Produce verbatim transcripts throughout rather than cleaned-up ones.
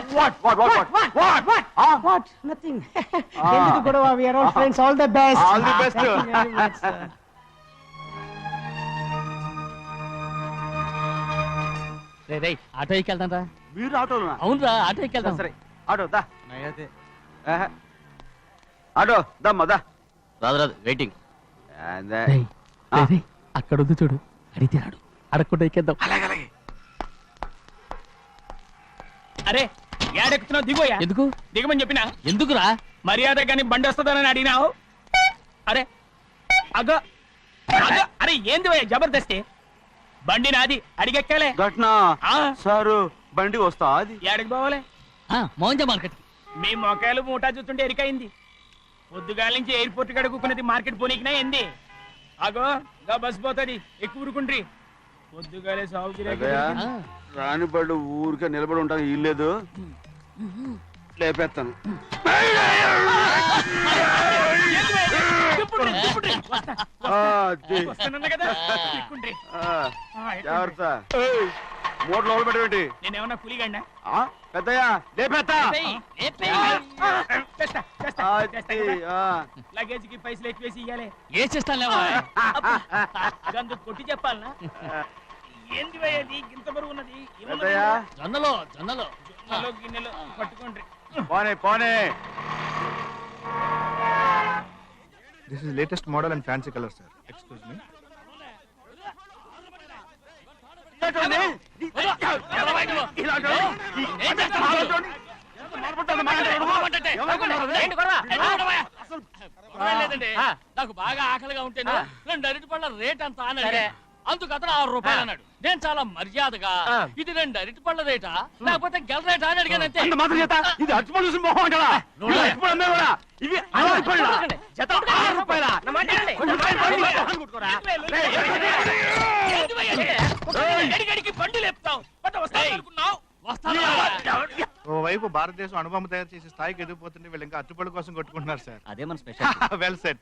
What? What? What? What? What? What? What? Ah? What? Nothing. ఎందుకు గొడవ? We are all friends. All the best. All the best. Thank you very much, sir. రే రే auto ఎక్కి వెళ్తాం రా. మీరు ఆటోనా? అవునురా ఆటో ఎక్కి వెళ్తాం. సరే ఆటో దా. ఆటో దమ్మా దా. రాదు రాదు వెయిటింగ్. అదే. అక్కడ ఉంది చూడు, అడిగితే రాడు, అడగకుండా ఎక్కేద్దాం. అలాగే అలాగే. అరే ఏడెక్కుతున్నావు? దిగోయా. ఎందుకు దిగమని చెప్పినా? ఎందుకురా? మర్యాద కానీ బండి వస్తుందని అడిగినావు. అరే అగో అగో అరే ఏంది భయ్యా జబర్దస్తి? బండి నాది, అడిగెక్కాలే. ఘట్నా ఆ. సారు బండి వస్తా అది ఏడకి పోవాలే? మోహన్జా మార్కెట్. మీ మొక్కలు మూటా చూస్తుంటే ఎరికైంది. పొద్దుగాల నుంచి ఎయిర్పోర్ట్ కడుక్కున్నది మార్కెట్ పోనీకినా ఏంది? అగో గా బస్ పోతుంది, ఎక్కువ ఊరుకుండ్రి. పొద్దుగాలే సాగు రాని బళ్ళు ఊరికే నిలబడి ఉంటాను, ఇల్లేదు లేపేస్తాను. జాగ్రత్త. మూడు లోపల పెట్టేటి. నేనేమన్నా పులిగండా? పెద్దయ్యా లేపేస్తా. లగేజ్ కి పైసలు ఎక్కువేసి ఇయ్యాలి. ఏ చేస్తాను గందు కొట్టి చెప్పాలనా? ఏంది భయ్యది ఇంత బరువు ఉన్నది? పెద్దయ్యా జొన్నలో జొన్నలో జొన్నలో గిన్నెలో పట్టుకోండి. పోనే పోనే. This is latest model and fancy color, sir. Excuse me. నాకు బాగా ఆకలిగా ఉంటేను రెండు అరటి పళ్ళ రేట్ అంత అన్నాడు. అందుకు అతను ఆరు రూపాయలు అన్నాడు. నేను చాలా మర్యాదగా ఇది రెండు అరటి పళ్ళ రేటా లేకపోతే గెల రేటా అని అడిగాను. అంతే. ఇది అరటిపళ్ళు చూసి మొహం అంటారా? ఇవి బండి లేపుతావు అనుకున్నావు. ఓవైపు భారతదేశం అనుభవం తయారు చేసే స్థాయికి ఎదిగిపోతుంటే వీళ్ళు ఇంకా అట్టుపళ్ళు కోసం కొట్టుకుంటున్నారు సార్. అదే మన స్పెషల్. Well set.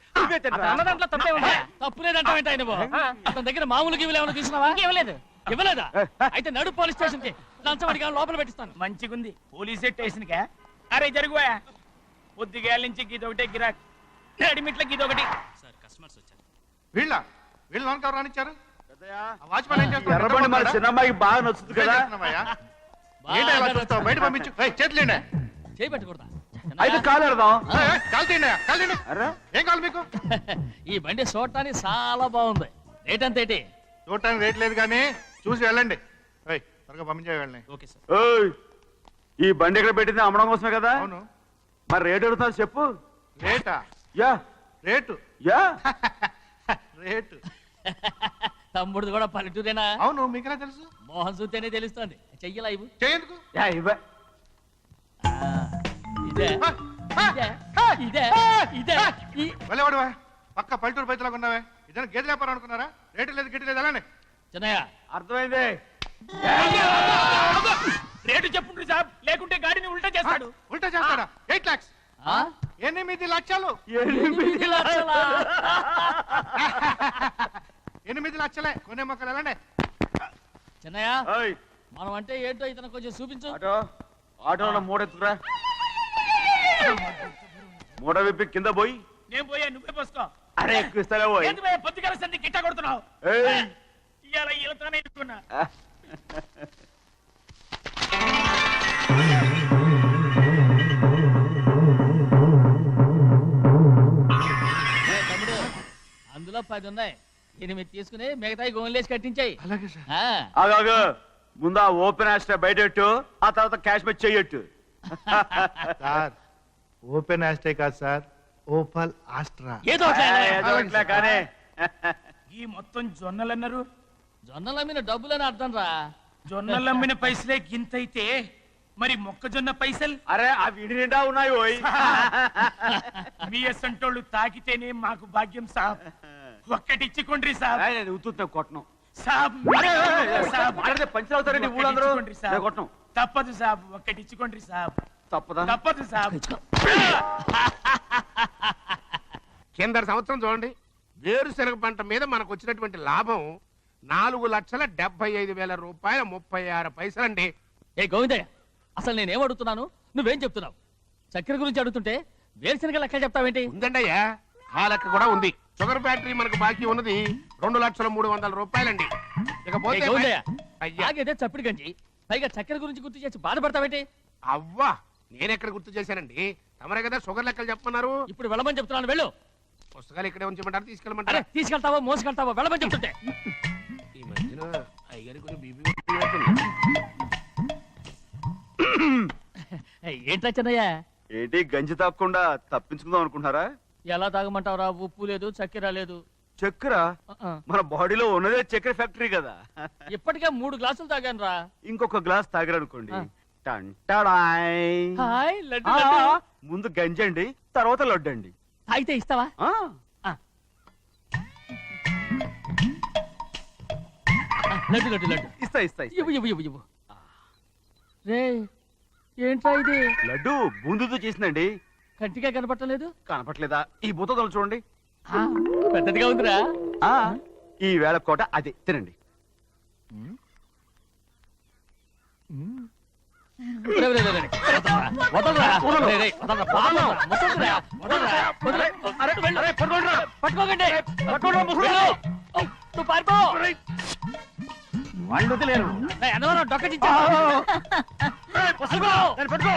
తప్పు లేదంటే అతని దగ్గర మామూలు గివ్వులు ఏమైనా తీసుకున్నావా? ఇవ్వలేదు. ఇవ్వలేదా? అయితే నడు పోలీస్ స్టేషన్ కి లంచం అడిగా లోపల పెట్టిస్తాను. మంచిగుంది పోలీస్ స్టేషన్ కా. అరే జరుగుయా. పొద్దుగాల నుంచి గీదొకటే గిరాక్, నడిమిట్ల గీదొకటి. సార్ కస్టమర్స్ వచ్చారు. వీళ్ళ వీళ్ళు లోన్ కవర్ రానిచ్చారు. వాచ్మెన్ ఏం చేస్తాడు? ఎర్రబండి మన చిన్నమ్మాయికి బాగా నచ్చుతుంది కదా. ఏంటి అలా చూస్తావు? బయట పంపించు. చేతులేండి. చేయి పెట్టకూడదా? అయితే కాలు ఎడదాం. కాలు తీయండి, కాలు తీయండి. ఏం కావాలి మీకు? ఈ బండి చూడటానికి చాలా బాగుంది. రేట్ అంత ఏంటి? చూడటానికి రేట్ లేదు కానీ చూసి వెళ్ళండి. త్వరగా పంపించే వెళ్ళండి. Okay sir. ఓయ్ ఈ బండి ఎక్కడ పెట్టింది? అమ్మడం కోసమే కదా. అవును. మరి రేట్ అడుగుతారు చెప్పు. రేటా? Yeah rate yeah rate. తమ్ముడు కూడా పల్లెటూరేనా? అవును. మీకెలా తెలుసు? మోహన్ చూస్తేనే తెలుస్తుంది. చెయ్యలా ఇవ్వు. చేయందుకు? యా ఇవ్వ. ఇదే ఇదే ఇదే ఇదే. వెళ్ళేవాడువా? పక్క పల్లెటూరు బయటలాగా ఉన్నావే. ఇదే గేదె వ్యాపారం అనుకున్నారా? రేటు లేదు గిట్టు లేదు. వెళ్ళండి. చిన్నయ్య అర్థమైంది. రేటు చెప్పుండ్రి సాబ్, లేకుంటే గాడిని ఉల్టా చేస్తాడు. ఉల్టా చేస్తాడా? ఎయిట్ లాక్స్. ఎనిమిది లక్షలు. ఎనిమిది లక్షలా? ఎనిమిది లక్షలే. కొనే మొక్కలు వెళ్ళండి. చిన్నయ్య మనం అంటే ఏంటో ఇతను కొంచెం చూపించు. ఆటో ఆటోలో మూడెత్తురా. మూడ విప్పి కింద పోయి. నేను పోయా, నువ్వే పోసుకో. అరే ఎక్కువ ఇస్తాలే పోయి. పొద్దుగాల సంధి గిట్ట కొడుతున్నావు. ఇవాళ ఈలతోనే ఇట్టుకున్నా. తమ్ముడు అందులో పది ఉన్నాయి. ఎనిమిది తీసుకుని మిగతాయి గోన్లేసి కట్టించాయి. అలాగే సార్. ఆగాగు. ముందు ఆ ఓపెన్ ఆస్ట్రా బయటెట్టు, ఆ తర్వాత క్యాష్ మెచ్ చెయ్యట్టు. సార్ ఓపెన్ ఆస్ట్రే కాదు సార్, ఓపల్ ఆస్ట్రా. ఏదో కానీ ఈ మొత్తం జొన్నలు అన్నారు. జొన్నలు అమ్మిన డబ్బులని అర్థం రా. జొన్నలు అమ్మిన పైసలే గింతైతే మరి మొక్కజొన్న పైసలు? అరే ఆ విడి నిండా ఉన్నాయి. పోయి మీ అసంటోళ్ళు తాకితేనే మాకు భాగ్యం సాబ్. ఒక్కటిచ్చుకోండి సాబ్. ఉత్తుతా కొట్టను సాబ్. పంచవుతారండి ఊళ్ళందరూ. కొట్టను. తప్పదు సాబ్, ఒక్కటిచ్చుకోండి సాబ్. తప్పదా? తప్పదు సాబ్. కింద సంవత్సరం చూడండి, వేరుశనగ పంట మీద మనకు వచ్చినటువంటి లాభం నాలుగు లక్షల డెబ్బై ఐదు వేల రూపాయల ముప్పై ఆరు పైసలండి. ఏ గోవిందయ్య, అసలు నేనేం అడుగుతున్నాను నువ్వేం చెప్తున్నావు? చక్కెర గురించి అడుగుతుంటే వేరుశనగ లెక్క చెప్తావేంటి? ఉందండి అయ్యా, ఆ లెక్క కూడా ఉంది. షుగర్ ఫ్యాక్టరీ మనకు బాకీ ఉన్నది రెండు లక్షల మూడు వందల రూపాయలండి. ఇకపోతే ఏ గౌండయ్య, అయ్యా. తాగేదే చప్పిడి గంజి, పైగా చక్కెర గురించి గుర్తు చేసి బాధపడతావేంటి? అవ్వా, నేనెక్కడ గుర్తు చేశానండి? తమరే కదా షుగర్ లెక్కలు చెప్పమన్నారు. ఇప్పుడు వెళ్ళమని చెప్తున్నాను, వెళ్ళు. పుస్తకాలు ఇక్కడే ఉంచమంటారు, అరే తీసుకెళ్ళమంటారా? తీసుకెళ్తావో మోసుకెళ్తావో వెళ్ళమని చెప్తుంటే. ఈ మధ్యన అయ్యగారి కొంచెం బీపీ పెరిగినట్టుంది. ఏంట్రా చిన్నయ్య, ఏంటి గంజి తాగకుండా తప్పించుకుందాం అనుకుంటున్నారా? ఎలా తాగమంటావురా? ఉప్పు లేదు, చక్కెర లేదు. చక్కెర ఆ, ఆ. మన బాడీలో ఉన్నదే చక్కెర ఫ్యాక్టరీ కదా. ఇప్పటికే మూడు గ్లాసులు తాగాను రా. ఇంకొక గ్లాస్ తాగారనుకోండి, ఆ. టంటాడాయ్. హాయ్ లడ్డు, ఆ, లడ్డు. ముందు గంజండి, తర్వాత లడ్డండి. తాగితే ఇస్తావా? ఆ, ఆ. ఆ, లడ్డు లడ్డు లడ్డు ఇస్తా ఇస్తా ఇస్తా. ఇవ్వు ఇవ్వు ఇవ్వు ఇవ్వు. రే ఏంట్రా ఇది? లడ్డు బూందుతో చేసిందండి. కంటిగా కనపట్టలేదు. కనపట్లేదా? ఈ బూతలు చూడండి. ఆ, పెద్దదిగా ఉందిరా. ఆ, ఈ వేళ కోట అదే తినండి. రే, రే, రే, రే. వదలరా, వదలరా. రే, రే, వదలరా, వదలరా, వదలరా, వదలరా, వదలరా. అరే, అరే, పట్టుకోండిరా. పట్టుకోకండి. పట్టుకోండిరా, ముసలి. వెళ్ళు. ఓ, నువ్వు పారిపో. వాళ్ళు వదిలేరు. రే, అన్నవరం డొక్క చించా. పట్టుకో. పట్టుకో.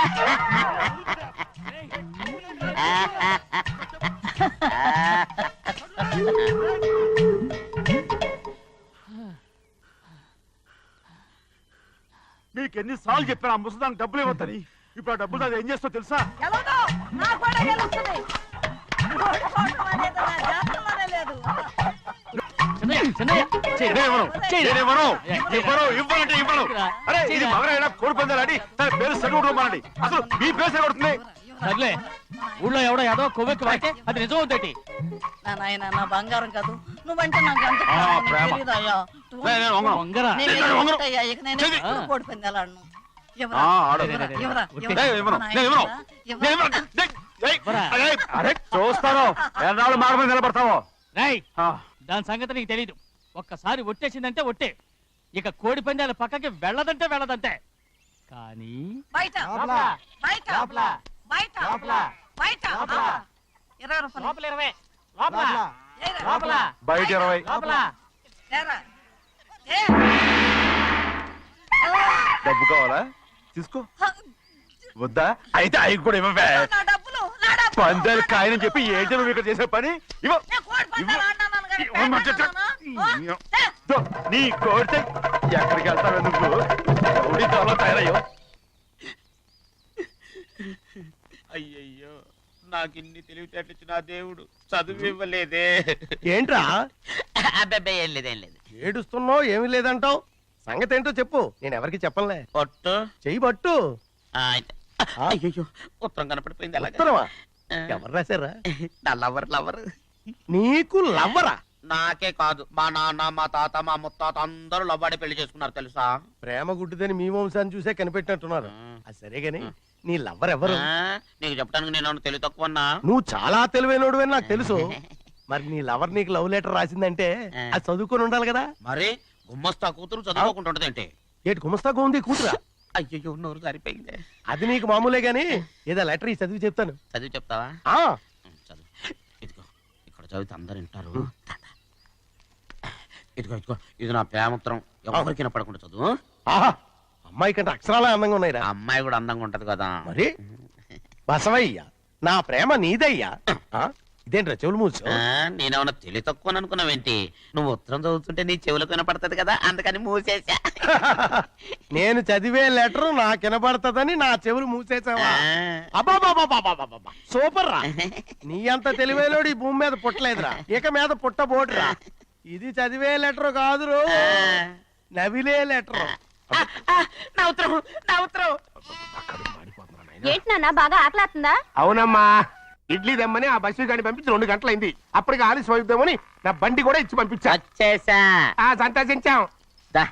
మీకు ఎన్నిసార్లు చెప్పాను ఆ ముసదానికి డబ్బులు ఇవ్వద్దని. ఇప్పుడు ఆ డబ్బులు అది ఏం చేస్తో తెలుసా? గెలవదు, నా కూడా గెలుస్తుంది. ఓడిపోవటం అనేది నా జాతకంలోనే లేదు. చిన్నయ్య, చిన్నయ్య, చెయ్యి. నేనివ్వను. చెయ్యి. నేనివ్వను. ఏ, ఇవ్వను, ఇవ్వనంటే ఇవ్వను. అరే ఇది మగరైనా కోడి పందాలని తన పేరు సెలవుకోమనండి. అసలు మీ పేరు సెలవుడుతుంది. సర్లే, ఊళ్ళో ఎవడో ఏదో కొవ్వెక్కి వాడితే అది నిజం అవుతాయి. నా నాయన నా బంగారం కాదు, నువ్వంటే నాకు అంత ఆ, ప్రాణం, నీకు ప్రేమ. తెలీదయ్యా. లే, నేను వంగను. వంగరా. నేను నేను ఏదో వంగను. ఒకటయ్యా, ఇక నేను చెయ్యి. ఎప్పుడు కోడి పందాలాడను. ఎవరా? ఆ, ఆడు. ఎవరా? ఎవరా? లే, ఎవరా? లే, ఇవ్వను. నా నేను ఇవ్వను. నాయనా, నేను ఎవరా? ఇవ్వను. లే, లే. ఇవ్వరా. అరే, అరే చూస్తాను ఎన్నాళ్ళు మాట మీద నిలబడతావో. రేయ్, ఆ, దాని సంగతి నీకు తెలీదు. ఒక్కసారి ఒట్టేసిందంటే ఒట్టే. ఇక కోడి పందాల పక్కకి వెళ్ళదంటే వెళ్ళదంటే. కానీ బయట లోపల. బయట లోపల. బయట లోపల. బయట లోపల. ఆ. ఇరవై రూపాయలు లోపల ఇరవై. లోపల. ఏరా. లోపల. బయట ఇరవై. లోపల. ఏరా. ఏ. డబ్బు కావాలా? తీసుకో. వద్దా? అయితే అవి కూడా ఇవ్వవే. నా డబ్బులు నా డబ్బులు. పందాలు కాయని చెప్పి ఏంటి నువ్వు ఇక్కడ చేసే పని? ఇవ్వ. నేను కోడి పందాలు ఆడినాను కానీ ఇవ్వమంటే చెప్. ఆడినానా? ఏ. దో, నీ కోడితే ఎక్కడికి వెళ్తావు నువ్వు? రౌడీ దొరలో తయారయ్యో. అయ్యయ్యో, నాకు ఇన్ని తెలివితేటచ్చిన దేవుడు చదువు ఇవ్వలేదే. ఏంట్రా అబ్బాయి ఏం లేదు ఏం లేదు. ఏడుస్తున్నావు? ఏమీ లేదంటావు? సంగతి ఏంటో చెప్పు, నేను ఎవరికి చెప్పనులే. పొట్టు చెయ్యి పట్టు. ఆ, అయితే. అయ్యయ్యో, ఉత్తరం కనపడిపోయింది. అలాగే ఉత్తరమా? ఎవరు రాశారా? నా లవర్ లవర్. నీకు లవ్వరా? నాకే కాదు, మా నాన్న మా తాత మా ముత్తాత అందరూ లవ్వాడి పెళ్లి చేసుకున్నారు తెలుసా. ప్రేమ గుడ్డిదని మీ వంశాన్ని చూసే కనిపెట్టినట్టున్నారు. అది సరే గాని నీ లవ్వర్ ఎవరు? ఆ, నీకు చెప్పడానికి నేను తెలివి తక్కువన్నా. నువ్వు చాలా తెలివైనడు అని నాకు తెలుసు. మరి నీ లవర్ నీకు లవ్ లెటర్ రాసిందంటే అది చదువుకొని ఉండాలి కదా. మరి గుమ్మస్తా కూతురు చదువుకోకుండా ఉంటదేంటి? ఏటి గుమస్తాగా ఉంది కూతురా? అయ్యయ్యో, నోరు సరిపోయింది. అది నీకు మామూలే గాని ఏదో లెటర్ ఈ చదివి చెప్తాను. చదివి చెప్తావా? ఆ ఉం, చదువు. ఇదిగో ఇక్కడ చదివితే అందరు వింటారు. ఇదిగో ఇదిగో ఇది నా ప్రేమోత్తరం. ఎవరికి వినపడకుండా చదువు. ఆహా, అమ్మాయి కంటే అక్షరాలే అందంగా ఉన్నాయిరా. ఆ అమ్మాయి కూడా అందంగా ఉంటది కదా. మరి బసవయ్య, నా ప్రేమ నీదయ్యా. ఆ, ఇదేంట్రా చెవులు మూసు? ఆ, నేనేమన్నా తెలివి తక్కువ అనుకున్నావేంటి? నువ్వు ఉత్తరం చదువుతుంటే నీ చెవులకు వినపడుతుంది కదా, అందుకని మూసేసా. నేను చదివే లెటర్ నాకు వినబడతదని నా చెవులు మూసేసావా? ఆ. అబ్బాబాబాబాబాబాబా, సూపర్ రా. నీ అంత తెలివేలోడు ఈ భూమి మీద పుట్టలేదురా, ఇక మీద పుట్టబోటురా. ఇది చదివే లెటర్ కాదురు, నవిలే లెటర్. నా ఉత్తరం నా ఉత్తరం. ఏంటి నాన్న బాగా ఆకలాతుందా? అవునమ్మా, ఇడ్లీ దమ్మని ఆ బస్సు గాని పంపించి రెండు గంటలైంది. అప్పటికి ఆలస్యం అవుతామని నా బండి కూడా ఇచ్చి పంపించా. వచ్చేసా. ఆ, సంతోషించాం. దా.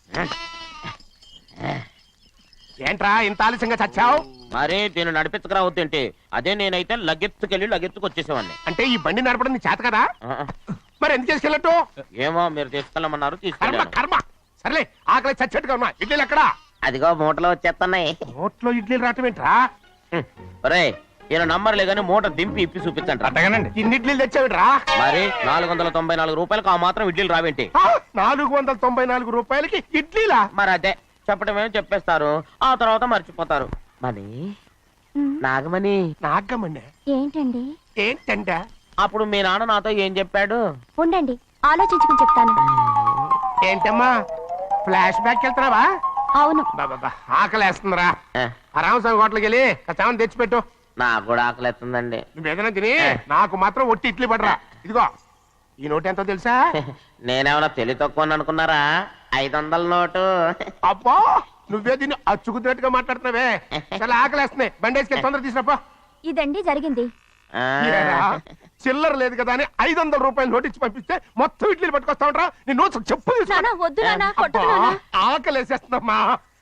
ఏంట్రా ఇంత ఆలస్యంగా చచ్చావు? మరి నేను నడిపించకరావద్దేంటి? అదే నేనైతే లగెత్తుకెళ్ళి లగెత్తుకు వచ్చేసేవాడిని. అంటే ఈ బండి నడపడం నీ చేత కదా? ఆ, మరి ఎందుకు చేసుకెళ్ళట్టు? ఏమో మీరు తీసుకెళ్ళమన్నారు, కర్మ తీసుకెళ్ళాను. కర్మ. సర్లే, ఆకలి చచ్చేట్టుగా ఉన్నా. ఇడ్లీలు ఎక్కడా? అదిగో మూటలో వచ్చేస్తున్నాయి. నోట్లో ఇడ్లీలు రావటం ఏంట్రా? ఒరే ఈయన నంబర్లే గానీ మూట దింపి ఇప్పి చూపించండి. అట్టగానండి. ఇన్ని ఇడ్లీలు తెచ్చావిడ్రా? మరి నాలుగు వందల తొంభై నాలుగు రూపాయలకు ఆ మాత్రం ఇడ్లీలు రావేంటి? నాలుగు వందల తొంభై నాలుగు రూపాయలకి ఇడ్లీలా? మరి అదే చెప్పటమేమో చెప్పేస్తారు, ఆ తర్వాత మర్చిపోతారు. మరి నాగమణి నాగమణి ఏంటండి? ఏంటంట? అప్పుడు మీ నాన్న నాతో ఏం చెప్పాడు? ఉండండి ఆలోచించుకుని చెప్తాను. ఏంటమ్మా ఫ్లాష్ బ్యాక్ వెళ్తున్నావా? అవును. బాబా ఆకలి వేస్తుందిరా. ఆ రామస్వామి హోటల్కి వెళ్ళి కాస్త తెచ్చిపెట్టు. నాకు కూడా ఆకలి ఎత్తుందండి. నువ్వు ఏదైనా తిని నాకు మాత్రం ఒట్టి ఇడ్లీ పడరా. ఇదిగో ఈ నోటు ఎంతో తెలుసా? నేనేమన్నా తెలివి తక్కువ అనుకున్నారా? ఐదు వందల నోటు. అబ్బా నువ్వే దీన్ని అచ్చుకుతున్నట్టుగా మాట్లాడుతున్నావే. చాలా ఆకలి వేస్తున్నాయి. బండి వేసుకెళ్ళి తొందర తీసుకురాపో. ఇదండి జరిగింది. చిల్లర లేదు కదా అని ఐదు వందల రూపాయలు నోటు ఇచ్చి పంపిస్తే మొత్తం ఇడ్లీలు పట్టుకొస్తా ఉంటా. నీ నోట్స్ చెప్పు నాన్న, వద్దు నాన్న, కొట్టకు నాన్న. ఆకలి వేసేస్తుందమ్మా.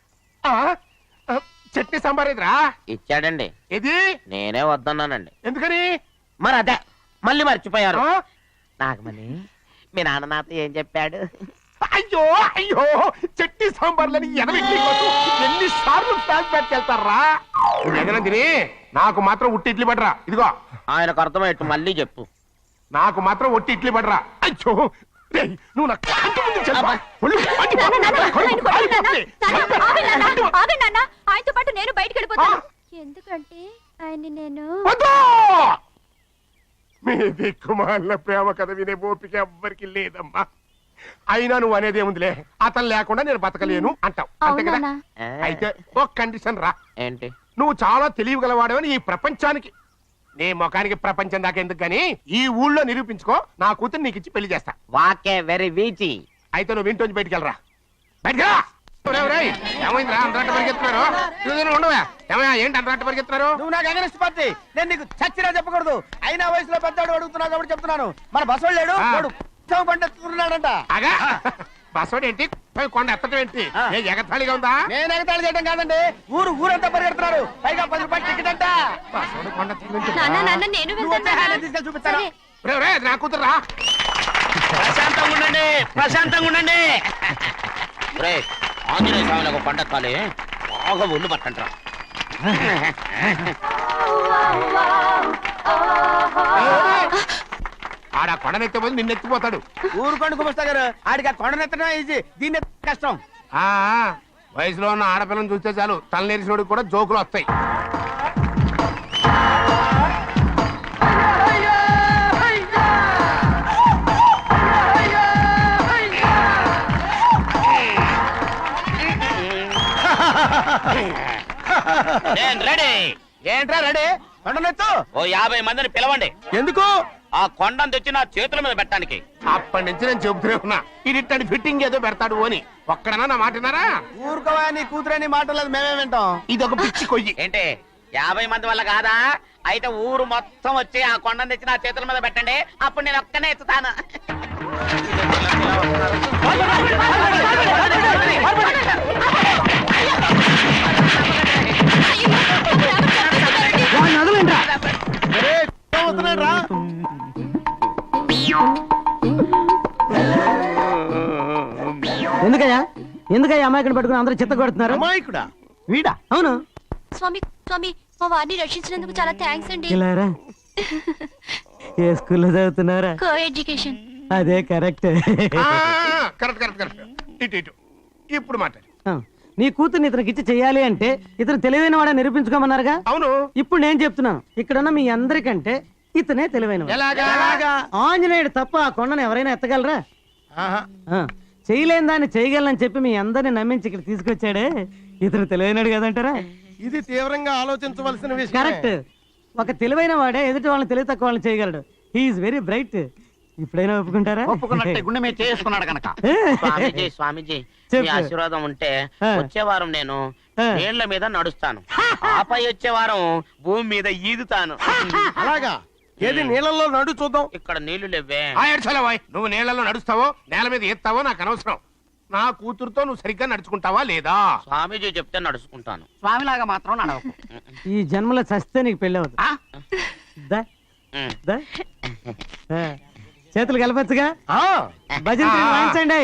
చట్నీ సాంబార్ ఎదురా ఇచ్చాడండి. ఇది నేనే వద్దన్నానండి. ఎందుకని? మరి అదే మళ్ళీ మర్చిపోయారు. నాగమణి మీ నాన్న నాతో ఏం చెప్పాడు? అయ్యో అయ్యో చట్నీ సాంబార్లని ఎనభై ఎన్ని సార్లు ప్యాక్ ప్యాక్ వెళ్తారా? ఏదైనా తిని నాకు మాత్రం ఉట్టి ఇడ్లీ పడరా. ఇదిగో ఆయనకు అర్థమయ్యట్టు మళ్ళీ చెప్పు. నాకు మాత్రం ఒట్టి ఇడ్లీ పడరా. అయ్యో రేయ్, నువ్వు నా కంటి ముందు చెప్పా. ఒళ్ళు మండి నాన్న, నాన్న, పోతుంది. ఆయన కొట్టకు నాన్న. నాన్న, ఆగండి నాన్న, ఆగండి నాన్న. ఆయనతో పాటు నేను బయటికి వెళ్ళిపోతాను. ఎందుకంటే ఆయన్ని నేను వద్దు! మీ దిక్కుమాలిన ప్రేమ కథ వినే ఓపిక ఎవ్వరికి లేదమ్మా. అయినా నువ్వు అనేది ఏముందిలే, అతను లేకుండా నేను బతకలేను అంటావు అంతే కదా? అవునా? అయితే ఒక కండిషన్ రా. ఏంటి? నువ్వు చాలా తెలియగలవాడవని ఈ ప్రపంచానికి, నీ ముఖానికి ప్రపంచం దాకా ఎందుకు గానీ ఈ ఊళ్ళో నిరూపించుకో. నా కూతురు నీకు ఇచ్చి పెళ్లి చేస్తా. వాకే వెరీ వీచి. అయితే నువ్వు ఇంటి బయటికి వెళ్ళరా. బయటకు ఏమైందిరా అంతరాట పరిగెత్తున్నారు? ఉండవా ఏమయ్యా? ఏంటి అంతరాట పరిగెత్తున్నారు? నువ్వు నాకు అగనిస్ట్ పార్టీ. నేను నీకు చచ్చినా చెప్పకూడదు. అయినా వయసులో పెద్దవాడు అడుగుతున్నావు కాబట్టి చెప్తున్నాను. మన బస్సు లేడు వాడు పండిస్తున్నాడంట. అగా బస్సోడు ఏంటి? కొండ ఎత్తడం ఏంటి? ఏ ఎగతాళిగా ఉందా? నేను ఎగతాళి చేయడం కాదండి, ఊరు ఊరంతా పరిగెడుతున్నారు. పైగా పది రూపాయలు టికెట్ అంట. బస్సోడు కొండ నాన్న, నాన్న, నేను వెళ్తాను. తీసుకెళ్ళి చూపిస్తాను. నా కూతురు రా. ప్రశాంతంగా ఉండండి, ప్రశాంతంగా ఉండండి. ఆంజనేయ స్వామికి పంట కాలే బాగా ఒళ్ళు పట్టంటారా. ఆడ కొండనెత్తే పోతే నిన్నెత్తిపోతాడు. ఊరు కొండ కుమస్తా గారు ఆడికి ఆ కొండనెత్తడం ఈజీ, దీన్ని కష్టం. ఆ వయసులో ఉన్న ఆడపిల్లని చూస్తే చాలు తలనేరిసినోడికి కూడా జోకులు వస్తాయి. రెడీ. ఏంట్రా రెడీ? కొండనెత్తు. ఓ యాభై మందిని పిలవండి. ఎందుకు? ఆ కొండను తెచ్చి నా చేతుల మీద పెట్టడానికి. అప్పటి నుంచి నేను చెబుతూనే ఉన్నా ఇది ఫిట్టింగ్ ఏదో పెడతాడు అని. ఒక్కడనా నా మాటనారా? ఊరుకోవా, నీ కూతురని మాటలేదు మేమే వింటాం. ఇది ఒక పిచ్చి కొయ్యి. ఏంటి యాభై మంది వల్ల కాదా? అయితే ఊరు మొత్తం వచ్చి ఆ కొండను తెచ్చి నా చేతుల మీద పెట్టండి, అప్పుడు నేను ఒక్కనే ఎత్తుతాను. ఎందుకయ్యా ఎందుకయ్యా అమాయకుని పట్టుకుని అందరూ చిత్త కొడుతున్నారు? అమాయకుడా? వీడా? అవును. స్వామి, స్వామి, మా వారిని రక్షించినందుకు చాలా థ్యాంక్స్ అండి. ఇలారా ఏ స్కూల్లో చదువుతున్నారా? Co education. అదే కరెక్ట్. Correct correct correct. ఇటు ఇటు ఇప్పుడు మాట్లాడు. నీ కూతుర్ని ఇతనికి ఇచ్చి చెయ్యాలి అంటే ఇతను తెలివైన వాడా నిరూపించుకోమన్నారుగా. అవును. ఇప్పుడు నేను చెప్తున్నాను, ఇక్కడున్న మీ అందరికంటే ఇతనే తెలివైన. ఆంజనేయుడు తప్ప ఆ కొండను ఎవరైనా ఎత్తగలరా? చేయలేని దాన్ని చేయగలనని చెప్పి మీ అందరిని నమ్మించి ఇక్కడ తీసుకొచ్చాడే ఇతను తెలివైనడు కదంటారా? ఇది తీవ్రంగా ఆలోచించవలసిన విషయం. కరెక్ట్. ఒక తెలివైన వాడే ఎదుటి వాళ్ళని తెలివి తక్కువ వాళ్ళని చేయగలడు. He is very bright. ఇప్పుడైనా ఒప్పుకుంటారా? ఒప్పుకున్నట్టే గుండె మీద చేసుకున్నాడు కనుక. స్వామీజీ స్వామీజీ మీ ఆశీర్వాదం ఉంటే వచ్చే వారం నేను నీళ్ల మీద నడుస్తాను, ఆపై వచ్చే వారం భూమి మీద ఈదుతాను. అలాగా? ఏది నీళ్ళల్లో నడు చూద్దాం. ఇక్కడ నీళ్లు లేవే. నువ్వు నీళ్లలో నడుస్తావో నేల మీద ఎత్తావో నాకు అనవసరం. నా కూతురుతో నువ్వు సరిగ్గా నడుచుకుంటావా లేదా? స్వామీజీ చెప్తే నడుచుకుంటాను. స్వామిలాగా మాత్రం నడవకు. ఈ జన్మలో చస్తే నీకు పెళ్ళి అవుతుంది. చేతులు కలపచ్చుగా ఆ, భజన చేసి వాయించండి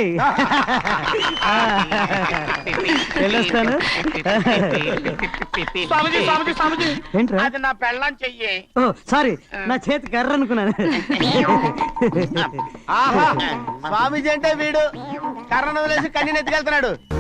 వెళ్ళొస్తాను స్వామిజీ స్వామిజీ స్వామిజీ ఏంట్రా అది నా పెళ్ళం చెయ్యి. ఓ సారీ నా చేతి కర్ర అనుకున్నాను ఆహా స్వామీజీ అంటే వీడు కర్రను వదిలేసి కన్నీ నెత్తికెళ్తున్నాడు